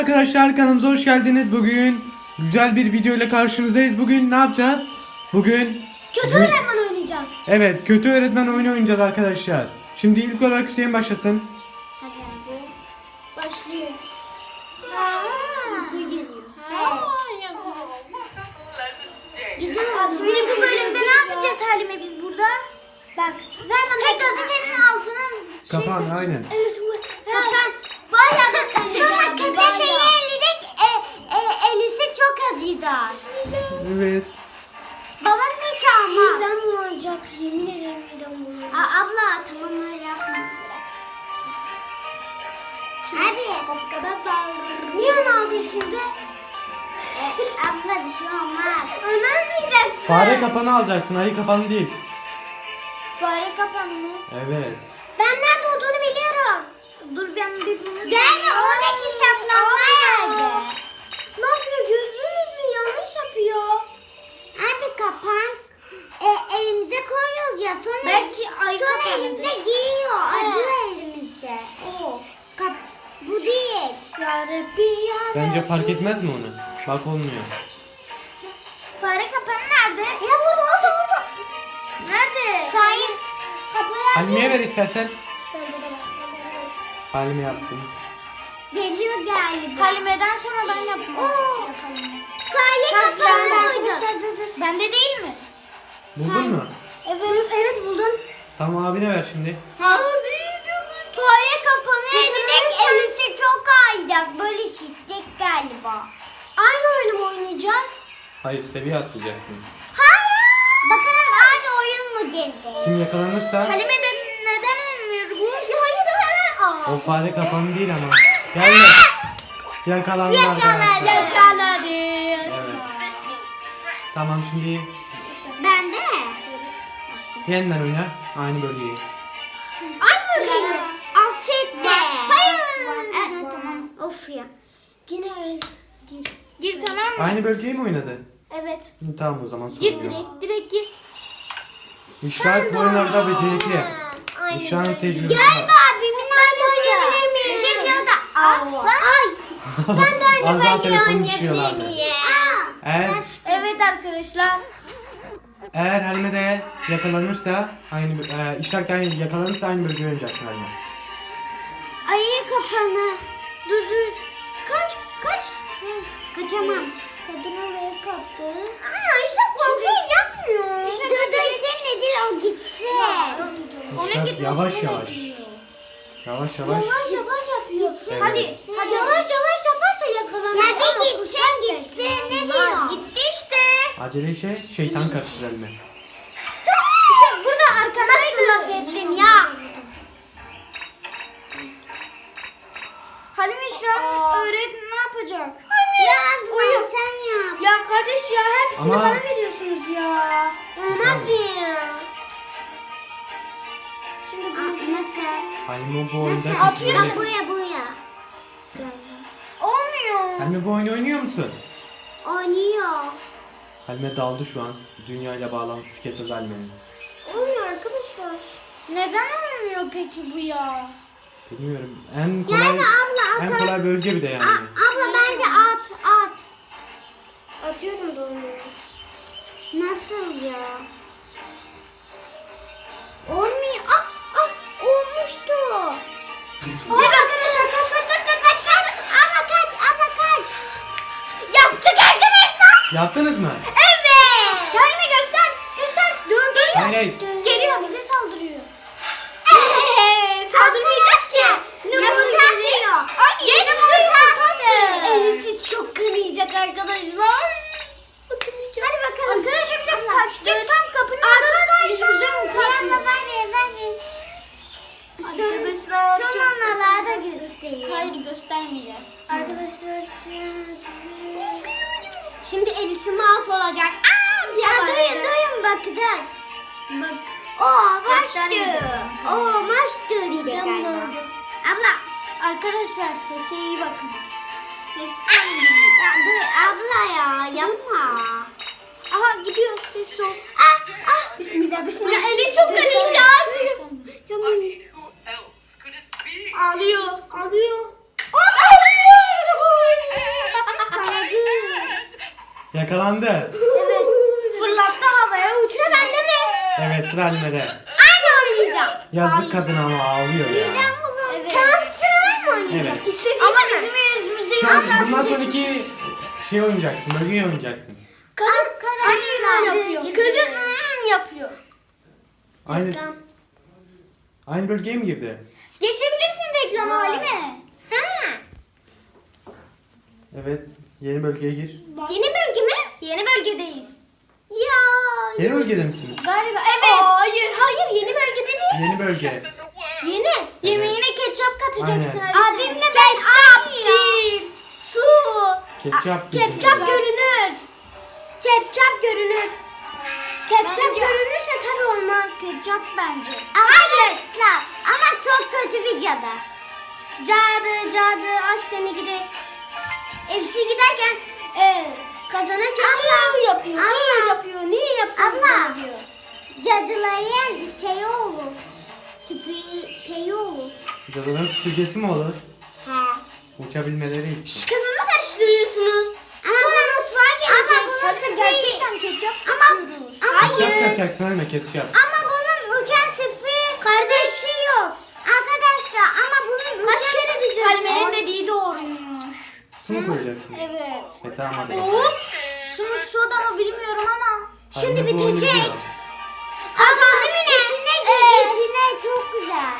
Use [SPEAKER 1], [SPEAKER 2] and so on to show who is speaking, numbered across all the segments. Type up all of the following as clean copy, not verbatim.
[SPEAKER 1] Arkadaşlar kanalımıza hoş geldiniz. Bugün güzel bir video ile karşınızdayız. Bugün ne yapacağız? Bugün
[SPEAKER 2] kötü öğretmen oynayacağız.
[SPEAKER 1] Evet, kötü öğretmen oyunu oynayacağız arkadaşlar. Şimdi ilk olarak Hüseyin başlasın.
[SPEAKER 2] Hadi hadi. Başlıyor. Şimdi bu bölümde ne yapacağız Halime biz burada? Bak. Zaten gazetenin altına
[SPEAKER 1] Kapan aynen.
[SPEAKER 2] Kapan. Bayağı da sonra gazeteyi elledik. Elisi çok acıdı.
[SPEAKER 1] Evet.
[SPEAKER 2] Babam hiç almaz. Midem bulanacak. Yemin ederim midem bulanacak. Abla tamam öyle yapma. Abi. Niye onu aldın şimdi? Abla bir şey olmaz. Önermeyeceksin.
[SPEAKER 1] Fare kapanı alacaksın, ayı kapanı değil.
[SPEAKER 2] Fare kapanı mı?
[SPEAKER 1] Evet.
[SPEAKER 2] Ben nerede olduğunu biliyorum. Dur ben bir bunu... Gelme oradaki saklanma yerde. Ne yapıyor gördünüz mü? Yanlış yapıyor. Abi kapan. Elimize koyuyoruz ya. Sonra, belki ay sonra elimize giriyor. Acıyor elimize. Bu değil. Ya Rabbi ya.
[SPEAKER 1] Bence fark etmez mi onu? Bak olmuyor.
[SPEAKER 2] Fare kapanı nerede? Ya burada olsa burada. Nerede? Fare kapıyı
[SPEAKER 1] Halime'ye ver istersen.
[SPEAKER 2] Bence de var.
[SPEAKER 1] Halime yapsın.
[SPEAKER 2] Geliyor galiba. Halime'den sonra ben yapmam. Fare kapanı koydum. Bende değil mi?
[SPEAKER 1] Buldun mu?
[SPEAKER 2] Evet buldum.
[SPEAKER 1] Tamam, abine ver şimdi.
[SPEAKER 2] Fare kapanı elindeki elisi çok aydak. Böyle şiddet galiba. Aynı oyunu mu oynayacağız?
[SPEAKER 1] Hayır, seviye atlayacaksınız.
[SPEAKER 2] Hayır. Bakalım aynı oyun mu geldi?
[SPEAKER 1] Kim yakalanırsa
[SPEAKER 2] Halime de neden olmuyor bu? Hayır.
[SPEAKER 1] o fare kapanı değil ama. Gelme. Yakalandı arkadaşlar.
[SPEAKER 2] Yakaladı.
[SPEAKER 1] Evet. Tamam, şimdi
[SPEAKER 2] Ben de.
[SPEAKER 1] yeniden oyna. Aynı bölgeyi.
[SPEAKER 2] Aynı bölgeyi. Affet de. Hayır. Tamam. Of ya. Yine öyle. Gir tamam mı?
[SPEAKER 1] Aynı bölgeyi mi oynadı?
[SPEAKER 2] Evet.
[SPEAKER 1] Tamam, o zaman sorun
[SPEAKER 2] Gir
[SPEAKER 1] yok.
[SPEAKER 2] direkt gir.
[SPEAKER 1] İşaret bu oyunlarda becerikli. İşaret tecrübesi
[SPEAKER 2] Gel
[SPEAKER 1] var.
[SPEAKER 2] abimin oynayabilir miyim? Çekiyor da. Ay. Ben de aynı
[SPEAKER 1] Az daha
[SPEAKER 2] bölgeyi
[SPEAKER 1] telefonu
[SPEAKER 2] oynayabilir
[SPEAKER 1] düşürüyorlardı.
[SPEAKER 2] miyim? Evet arkadaşlar.
[SPEAKER 1] Eğer Halime de yakalanırsa aynı işaret yakalanırsa aynı bölgeyi oynayacaksın Halime.
[SPEAKER 2] Ayı kafanı. Dur. Kaç. Kaçamam. Kadın oraya kaptı. Ana işte korkuyu yapmıyor. Dur senin değil o gitsin.
[SPEAKER 1] İşaret yavaş yavaş. Yavaş yavaş.
[SPEAKER 2] Yavaş yapıyor.
[SPEAKER 1] Evet.
[SPEAKER 2] Hadi yavaş yaparsa yakalanır. Ya bir gitsin ne diyor? Gitti işte.
[SPEAKER 1] Acele şeytan karıştır Halime.
[SPEAKER 2] İşte burada arkadaşlar laf ettin ya. Halime şu an öğretmen ne yapacak? Anne. Ya uyu. Sen yap. Ya kardeş ya hepsini
[SPEAKER 1] Ama-
[SPEAKER 2] bana veriyorsunuz ya. Olmaz ya. Şimdi bunu nasıl?
[SPEAKER 1] Halime bu oyunda
[SPEAKER 2] Atıyorsun.
[SPEAKER 1] kötü.
[SPEAKER 2] Buraya. Olmuyor.
[SPEAKER 1] Halime bu oyunu oynuyor musun?
[SPEAKER 2] Oynuyor.
[SPEAKER 1] Halime daldı şu an. Dünyayla bağlantısı kesildi Halime'nin.
[SPEAKER 2] Olmuyor arkadaşlar. Neden olmuyor peki bu ya?
[SPEAKER 1] Bilmiyorum. En kolay
[SPEAKER 2] abla,
[SPEAKER 1] en kolay bölge bir de yani.
[SPEAKER 2] Abla bence at. Atıyorum da olmuyor. Nasıl ya? Olmuyor. Olmuştu. Evet arkadaşlar kaç. Abla kaç. Yaptık arkadaşlar.
[SPEAKER 1] Yaptınız mı?
[SPEAKER 2] Evet. Yani göster. Dur.
[SPEAKER 1] Hayır.
[SPEAKER 2] Geliyor bize saldırıyor. Saldırmayacağız ki. Nasıl geliyor? Ay yumurta. Elisi çok kanayacak arkadaşlar. Hadi bakalım. Arkadaşlar bir dakika kaçtık. Tam kapının önünde yüzümüze yumurta atıyor. Arkadaşlar. Son anlarda göstereyim. Hayır göstermeyeceğiz. Arkadaşlar şimdi Elisi mahvolacak. Duyun bakacağız. Bak. Maçtı diyecek galiba. Abla. Arkadaşlar sese iyi bakın. Sesten gidiyor. Abla ya yapma. Aha gidiyor ses o. Bismillah. Eli çok kanayacak. Ağlıyor.
[SPEAKER 1] Yakalandı.
[SPEAKER 2] Evet. Fırlattı havaya uçtu. Sıra bende mi?
[SPEAKER 1] Evet sıra Halime'de.
[SPEAKER 2] Aynı oynayacağım.
[SPEAKER 1] Yazık kadın ama ağlıyor ya.
[SPEAKER 2] Evet. Tamam sıra ben mi oynayacağım?
[SPEAKER 1] Evet.
[SPEAKER 2] İstediğim ama bizim yüzümüzde
[SPEAKER 1] Şu an bundan sonraki şey oynayacaksın. Bölgeyi oynayacaksın.
[SPEAKER 2] Kadın yapıyor. Kadın yapıyor.
[SPEAKER 1] Aynı bölgeye mi girdi?
[SPEAKER 2] Geçebilirsin reklamı Halime. Ha.
[SPEAKER 1] Evet. Yeni bölgeye gir.
[SPEAKER 2] Yeni bölge mi? Yeni bölgedeyiz. Ya.
[SPEAKER 1] Yeni bölgede misiniz?
[SPEAKER 2] Galiba evet. Hayır yeni bölgede değil.
[SPEAKER 1] Yeni bölge.
[SPEAKER 2] Yeni. Yemeğine ketçap katacaksın
[SPEAKER 1] Aynen.
[SPEAKER 2] Halime. Abimle ben yaptım. Su.
[SPEAKER 1] Ketçap.
[SPEAKER 2] Ketçap görünür. Ketçap görünür. Ketçap görünürse tabii olmaz. Ketçap bence. Hayır. Ama çok kötü bir cadı. Cadı az seni gidi. Elsi giderken kazanacak. Yapıyor. Niye yaptın sana diyor. Cadıların şey olur. Süpürgeyi olur.
[SPEAKER 1] Cadıların süpürgesi mi olur?
[SPEAKER 2] He.
[SPEAKER 1] Uçabilmeleri için.
[SPEAKER 2] Kafamı karıştırıyorsunuz. Sonra mutfağa gelecek. Bakın gerçekten ketçap katıyoruz.
[SPEAKER 1] Ketçap yapacaksın Halime, ketçap.
[SPEAKER 2] Ama bunun uçan süpür kardeşi yok. Arkadaşlar ama bunun kaç kere diyeceğiz? Halime'nin dediği doğruymuş.
[SPEAKER 1] Su mu koyacaksın?
[SPEAKER 2] Evet.
[SPEAKER 1] Tamam hadi.
[SPEAKER 2] Su mu soda mı bilmiyorum ama. Şimdi
[SPEAKER 1] Halime bu oyunu
[SPEAKER 2] bitecek.
[SPEAKER 1] biliyor.
[SPEAKER 2] Kazandı mı ne? İçine çok güzel.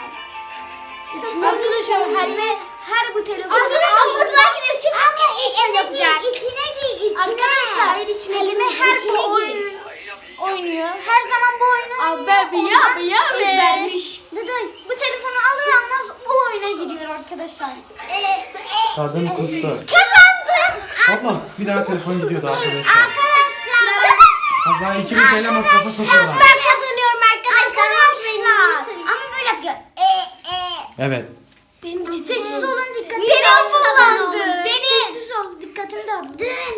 [SPEAKER 2] Arkadaşlar Halime her bu telefonu arkadaşlar mutfağa girer şimdi yapacak. İçine. Arkadaşlar Halime her bu oyunu oynuyor. Her zaman bu oyunu ezbermiş. Bu telefonu alır almaz bu oyuna giriyor arkadaşlar.
[SPEAKER 1] Kadın kustu.
[SPEAKER 2] Kazandım.
[SPEAKER 1] Ablam bir daha telefon gidiyordu arkadaşlar.
[SPEAKER 2] Arkadaşlar.
[SPEAKER 1] Abla 2000 TL masrafa sokuyorlar.
[SPEAKER 2] Ben kazanıyorum arkadaşlar. Ama böyle yapıyor.
[SPEAKER 1] Evet.
[SPEAKER 2] Sessiz olun dikkatimi dağıtın. Sessiz ol dikkatimi dağıtın.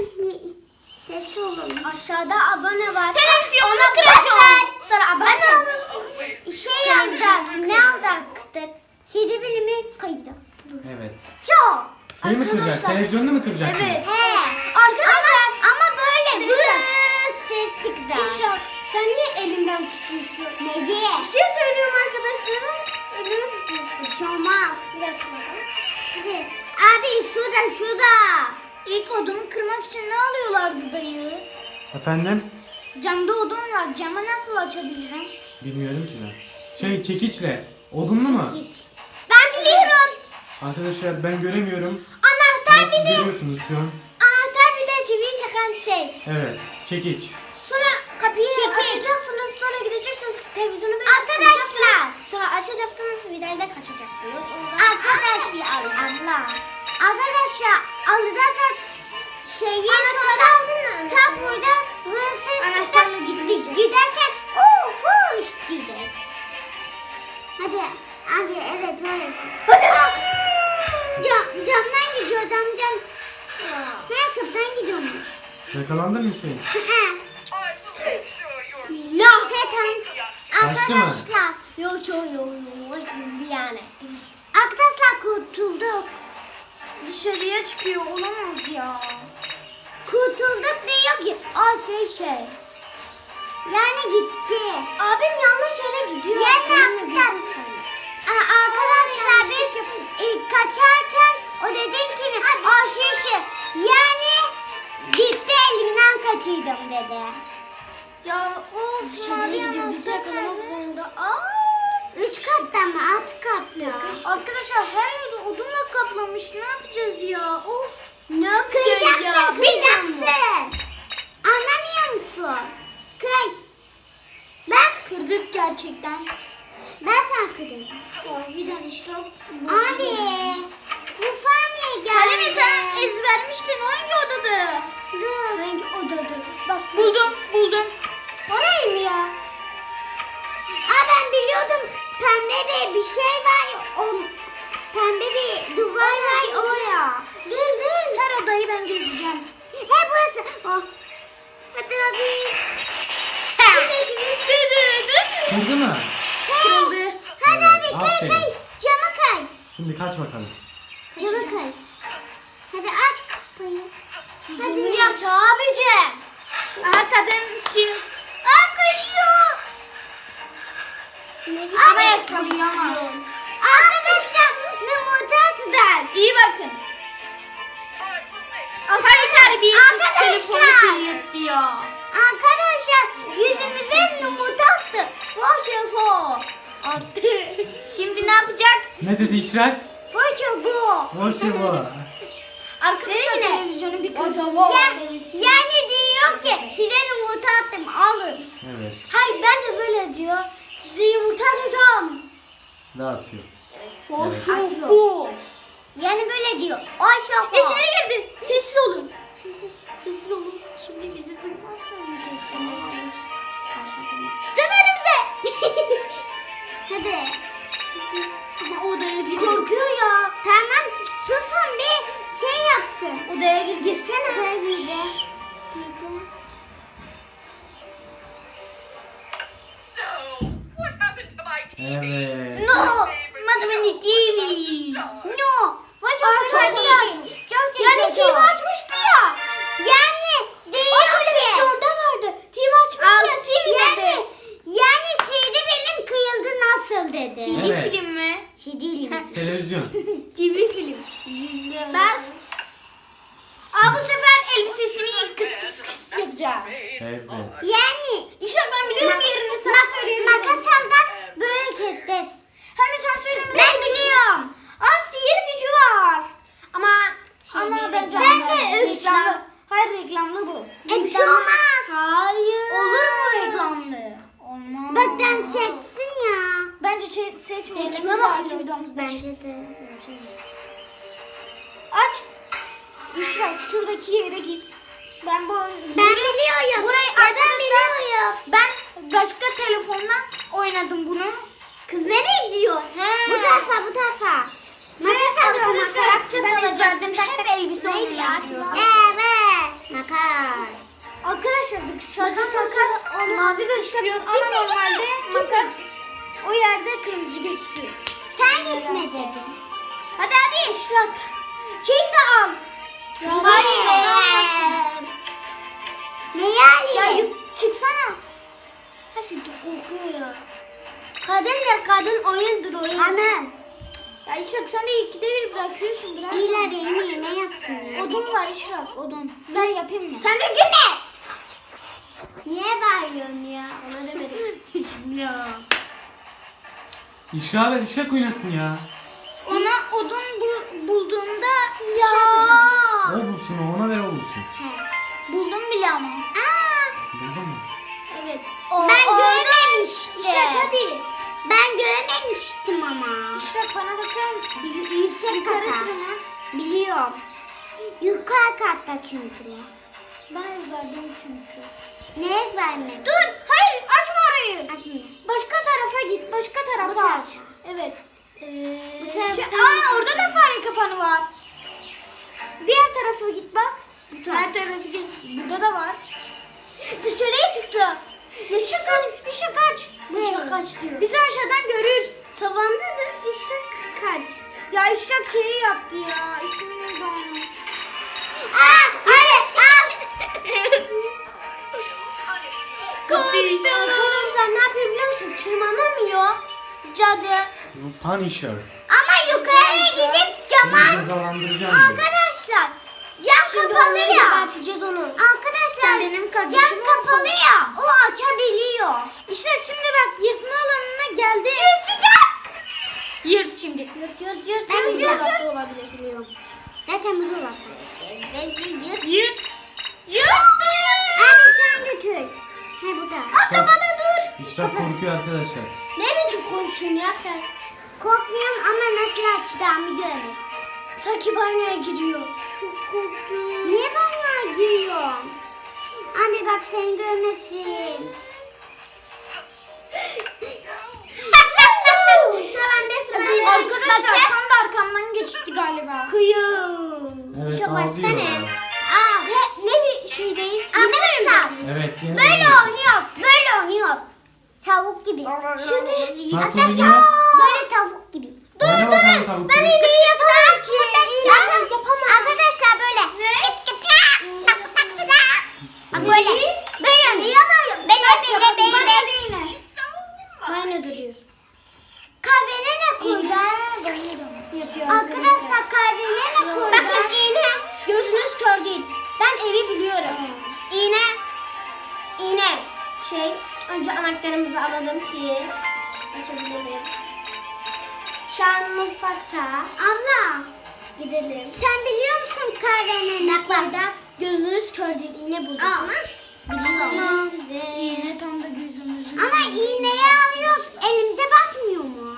[SPEAKER 2] Sessiz olun. Aşağıda abone var. Televizyonu kıracağım. Sonra abone olursun. Şey alacağız. Ne alacaktık? CD bilimi kaydı.
[SPEAKER 1] Evet.
[SPEAKER 2] Çok.
[SPEAKER 1] Şey mi kıracak? Televizyonunu mu kıracaksın?
[SPEAKER 2] Evet. He. Arkadaşlar ama böyle ses çıktı. İnşallah. Sen niye elinden tutuyorsun? Ne diye? Bir şey söylüyorum arkadaşlarım. Elini tutuyorsun. Şey olmaz. Bir dakika bakalım. Hadi. Abi şurada. İlk odunu kırmak için ne alıyorlardı dayı?
[SPEAKER 1] Efendim?
[SPEAKER 2] Camda odun var. Camı nasıl açabilirim?
[SPEAKER 1] Bilmiyorum ki ben. Şey çekiçle. Odunlu mu?
[SPEAKER 2] Ben biliyorum.
[SPEAKER 1] Arkadaşlar ben göremiyorum.
[SPEAKER 2] Anahtar
[SPEAKER 1] Ama siz
[SPEAKER 2] bir de.
[SPEAKER 1] görüyorsunuz şu an.
[SPEAKER 2] Anahtar bir de çiviyi çakan şey.
[SPEAKER 1] Evet. Çekiç.
[SPEAKER 2] Sonra kapıyı açacaksınız, sonra gideceksiniz televizyonu böyle arkadaşlar. Sonra açacaksınız, vidayla kaçacaksınız. Arkadaşlar, Arkadaşlar, alırsa şeyi tam burada anahtarla giderken fuş diyecek. Hadi abi evet öyle. Camdan gidiyor cam. Kapıdan gidiyormuş.
[SPEAKER 1] Yakalandın mı Hüseyin?
[SPEAKER 2] Bismillah.
[SPEAKER 1] Kaçtı mı?
[SPEAKER 2] Arkadaşlar. Yok yani. Arkadaşlar kurtulduk. Dışarıya çıkıyor olamaz ya. Kurtulduk diyor ki şey. Yani gitti. Abim yanlış yere gidiyor. Arkadaşlar biz kaçarken o dedin ki şey. Yani gitti elimden kaçırdım dedi. Ya of dışarıya gidiyor bizi yakalamak zorunda. Üç kattan mı? Alt katta. Arkadaşlar her yeri odunla kaplamış. Ne yapacağız ya? Of. Ne yapacağız ya? Kıracaksın. Anlamıyor musun? Kır. Ben kırdık gerçekten. Ben sana kırdım. Sahiden işte. Abi. Bu faniye geldi. Halime sen ezbermiştin. Hangi odada? Dur. Hangi odada? Bak buldum. Orayı mı ya? Ben biliyordum. Pembe bir şey var. Pembe bir duvar var oraya. Dur. Her odayı ben gezeceğim. Burası. Hadi abi.
[SPEAKER 1] Kızı mı?
[SPEAKER 2] Kırıldı. Hadi abi
[SPEAKER 1] Aferin.
[SPEAKER 2] kay. Cama kay.
[SPEAKER 1] Şimdi kaç bakalım.
[SPEAKER 2] Cama kay. Hadi aç kapıyı. Hadi aç abicim.
[SPEAKER 3] Aha kadın şu.
[SPEAKER 2] Koşuyor.
[SPEAKER 3] Ama yakalayamaz.
[SPEAKER 2] Arkadaşlar yumurta attılar.
[SPEAKER 3] İyi bakın. Hay terbiyesiz telefonu
[SPEAKER 2] Arkadaşlar.
[SPEAKER 3] kirletiyor.
[SPEAKER 2] Arkadaşlar yüzümüze yumurta attı. Foşu
[SPEAKER 3] Attı. Şimdi ne yapacak?
[SPEAKER 1] Ne dedi İşrak?
[SPEAKER 2] Foşu bu.
[SPEAKER 1] Boş bu.
[SPEAKER 3] Arkadaşlar
[SPEAKER 2] Değil mi?
[SPEAKER 3] televizyonu bir
[SPEAKER 2] Ya,
[SPEAKER 3] kocaman.
[SPEAKER 2] yani diyor ki size yumurta attım alın.
[SPEAKER 1] Evet.
[SPEAKER 2] Hayır bence böyle diyor. Size yumurta atacağım.
[SPEAKER 1] Dağıtıyor.
[SPEAKER 3] Foşu.
[SPEAKER 2] Yani böyle diyor. Ayşe bu.
[SPEAKER 3] İçeri girdi. Sessiz olun. Sessiz olun. Şimdi bizi duymazsa
[SPEAKER 2] Dön önümüze. Hadi.
[SPEAKER 3] Ama odaya gir.
[SPEAKER 2] Korkuyor ya. Tamam susun bir şey yapsın.
[SPEAKER 3] Odaya gir.
[SPEAKER 2] Gitsene. Nerede?
[SPEAKER 4] What happened to my TV?
[SPEAKER 1] Evet.
[SPEAKER 3] No. Madame TV.
[SPEAKER 2] No. Foşu
[SPEAKER 3] Çok
[SPEAKER 2] değil. Çok iyi. Yani TV açmıştı ya. Yani değil ki.
[SPEAKER 3] televizyonda vardı. TV
[SPEAKER 2] Al,
[SPEAKER 3] açmıştı ya TV'de.
[SPEAKER 2] yani CD film kıyıldı nasıl dedi.
[SPEAKER 3] CD
[SPEAKER 1] Evet.
[SPEAKER 3] film mi?
[SPEAKER 2] CD film.
[SPEAKER 1] Televizyon.
[SPEAKER 3] TV film. Ben... Aa bu sefer elbisesini kıs kıs kıs yapacağım.
[SPEAKER 1] Evet.
[SPEAKER 2] Yani
[SPEAKER 3] İşte ben biliyorum yerini sana söyleyeyim.
[SPEAKER 2] makas al da böyle keseceğiz.
[SPEAKER 3] Hem de sen söyleme.
[SPEAKER 2] Ben biliyorum.
[SPEAKER 3] Aa sihir gücü var. Ama bence
[SPEAKER 2] Ben de
[SPEAKER 3] reklamlı. Hayır reklamlı bu.
[SPEAKER 2] Bir şey olmaz.
[SPEAKER 3] Hayır. Olur mu reklamlı? Olmaz.
[SPEAKER 2] Bak dans etsin ya.
[SPEAKER 3] Bence seçmeyelim.
[SPEAKER 2] Kime
[SPEAKER 3] Bir
[SPEAKER 2] bakıyor?
[SPEAKER 3] dahaki videomuzda
[SPEAKER 2] Bence
[SPEAKER 3] çık-
[SPEAKER 2] de.
[SPEAKER 3] Aç. İşte şuradaki yere git. Ben
[SPEAKER 2] Ben biliyorum.
[SPEAKER 3] Burayı
[SPEAKER 2] Ben
[SPEAKER 3] arkadaşlar
[SPEAKER 2] biliyorum.
[SPEAKER 3] ben başka telefondan oynadım bunu.
[SPEAKER 2] Kız nereye gidiyor? Bu tarafa bu tarafa. Makas al
[SPEAKER 3] Arkadaşlar
[SPEAKER 2] makas.
[SPEAKER 3] ben izlerdim hep elbise
[SPEAKER 2] Neydi ya?
[SPEAKER 3] oynuyorum.
[SPEAKER 2] Evet. Makas.
[SPEAKER 3] Arkadaşlar dışarıdan makas mavi gözüküyor ama normalde makas o yerde kırmızı gözüküyor.
[SPEAKER 2] Sen gitme dedin.
[SPEAKER 3] Hadi hadi işlak.
[SPEAKER 2] Şey de al.
[SPEAKER 3] Hayır.
[SPEAKER 2] Ne yani?
[SPEAKER 3] Ya çıksana.
[SPEAKER 2] Ha şimdi korkuyor ya. Kadın oyundur oyun. Kadın.
[SPEAKER 3] Ya İşrak sen de ikide bir bırakıyorsun bırak.
[SPEAKER 2] İyiler benim yerine yapsın ya.
[SPEAKER 3] Odun var İşrak odun. Ben yapayım mı?
[SPEAKER 2] Sen de gülme. Niye bağırıyorsun ya? Sana demedim.
[SPEAKER 3] Ya.
[SPEAKER 1] İşrak'la İşrak oynasın ya.
[SPEAKER 3] Ona odun bulduğumda
[SPEAKER 2] Ya.
[SPEAKER 3] şey yapacağım.
[SPEAKER 1] O bulsun o, ona ver o bulsun.
[SPEAKER 3] Buldum bile ama.
[SPEAKER 1] Buldun mu?
[SPEAKER 3] Evet.
[SPEAKER 2] Ben görememiştim.
[SPEAKER 3] İşrak hadi.
[SPEAKER 2] Ben görememiştim ama.
[SPEAKER 3] İşrak bana bakar mısın?
[SPEAKER 2] Yüksek
[SPEAKER 3] Yukarı
[SPEAKER 2] kata.
[SPEAKER 3] tırman.
[SPEAKER 2] Biliyorum. Yukarı katta çünkü.
[SPEAKER 3] Ben ezberledim çünkü.
[SPEAKER 2] Ne ezbermesi?
[SPEAKER 3] Dur hayır açma orayı.
[SPEAKER 2] Açmıyor.
[SPEAKER 3] Başka tarafa git. Başka
[SPEAKER 2] Bu
[SPEAKER 3] tarafa
[SPEAKER 2] tarafa.
[SPEAKER 3] aç. Evet.
[SPEAKER 2] Bu taraftan
[SPEAKER 3] Aa orada da fare kapanı var. Diğer tarafa git bak. Diğer tarafa git. Burada da var. Dışarıya çıktı. Işık kaç. Işık kaç.
[SPEAKER 2] Işık kaç diyor.
[SPEAKER 3] Bizi aşağıdan görür. Savanda da ışık kaç. Ya ışık şeyi yaptı ya. İsmini neydi onun?
[SPEAKER 2] Arkadaşlar ne yapıyor biliyor musun? Tırmanamıyor. Cadı.
[SPEAKER 1] Bu Punisher.
[SPEAKER 2] Ama yukarıya gidip cama...
[SPEAKER 1] Seni cezalandıracağım diyor.
[SPEAKER 2] Arkadaşlar cam kapalı ya. Açacağız onu. Arkadaşlar
[SPEAKER 3] Sen benim kardeşim
[SPEAKER 2] cam kapalı ya. O açabiliyor.
[SPEAKER 3] İşte şimdi bak yırtma alanına geldi.
[SPEAKER 2] Yırtacağız.
[SPEAKER 3] Yırt şimdi.
[SPEAKER 2] Yırt.
[SPEAKER 3] Ben
[SPEAKER 2] Ben
[SPEAKER 3] bir dolapta
[SPEAKER 2] yırt.
[SPEAKER 3] olabilir biliyorum.
[SPEAKER 2] Zaten bu dolap. Bence yırt.
[SPEAKER 3] Yırt. Yırt.
[SPEAKER 2] Abi sen götür. He burada.
[SPEAKER 1] Kapalı dur. İşrak korkuyor arkadaşlar.
[SPEAKER 2] Ne biçim konuşuyorsun ya sen? Korkmuyorum ama nasıl açacağımı görmek.
[SPEAKER 3] Sanki banyoya giriyor.
[SPEAKER 2] Çok korktum. Niye banyoya giriyorsun? Abi bak seni görmesin. Sıvanda.
[SPEAKER 3] Arkadaşlar tam da arkamdan geçti galiba.
[SPEAKER 2] Kıyım.
[SPEAKER 1] Evet
[SPEAKER 2] İşe
[SPEAKER 1] ağlıyor.
[SPEAKER 2] başsana. Aa, ne bir şeydeyiz? Arkadaşlar
[SPEAKER 1] Evet. yine
[SPEAKER 2] böyle
[SPEAKER 1] oynuyor.
[SPEAKER 2] oynuyor. Böyle oynuyor. Tavuk gibi. Şimdi
[SPEAKER 1] Nasıl
[SPEAKER 2] arkadaşlar
[SPEAKER 1] oynuyor?
[SPEAKER 2] böyle tavuk gibi.
[SPEAKER 1] Oyna bakalım tavuk
[SPEAKER 2] Ben
[SPEAKER 1] gibi.
[SPEAKER 2] iyi yapamam ki. Yapamam. Arkadaşlar böyle. Git git ya. Böyle.
[SPEAKER 3] anahtarımızı alalım ki açabilirim. Şu an mutfakta.
[SPEAKER 2] Abla
[SPEAKER 3] Gidelim.
[SPEAKER 2] sen biliyor musun kahvenin
[SPEAKER 3] Naklarda gözünüz kör değil. İğne bulduk.
[SPEAKER 2] Ama
[SPEAKER 3] Biliyorum size. İğne tam da gözümüzün.
[SPEAKER 2] ama iğneyi alıyoruz. Elimize batmıyor mu?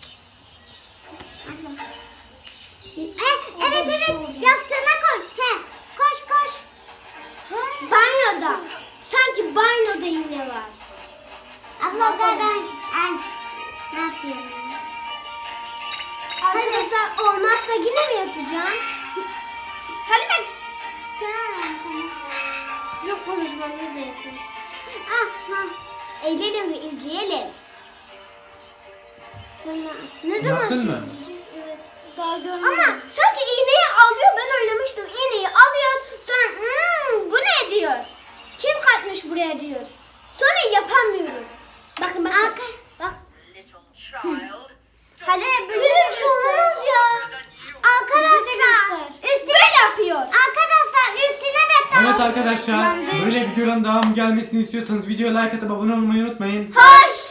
[SPEAKER 2] Evet
[SPEAKER 3] bir şey oldu.
[SPEAKER 2] yastığına koy. Koş.
[SPEAKER 3] Banyoda. Sanki banyoda iğne var.
[SPEAKER 2] Abla ben ne yapıyorum?
[SPEAKER 3] Arkadaşlar olmazsa yine mi yapacağım? Hadi ben.
[SPEAKER 2] Tamam.
[SPEAKER 3] Sizin konuşmanız da yeter.
[SPEAKER 2] Eğlenelim ve izleyelim.
[SPEAKER 3] Ne zaman
[SPEAKER 1] Yaptın
[SPEAKER 3] şey
[SPEAKER 1] mı?
[SPEAKER 3] yapacak? Evet. Daha görmedim.
[SPEAKER 2] Ama
[SPEAKER 3] sanki iğneyi alıyor. Ben oynamıştım. İğneyi alıyor. Sonra bu ne diyor? Kim katmış buraya diyor. Sonra yapamıyoruz. Bakın. Bak.
[SPEAKER 4] Little child.
[SPEAKER 3] Hadi böyle bir şey olmaz ya.
[SPEAKER 2] Arkadaşlar
[SPEAKER 3] Böyle yapıyor.
[SPEAKER 2] Arkadaşlar üstüne de
[SPEAKER 1] Evet arkadaşlar,
[SPEAKER 3] Yandı.
[SPEAKER 1] böyle videoların devamı gelmesini istiyorsanız videoya like atıp abone olmayı unutmayın.
[SPEAKER 3] Hoş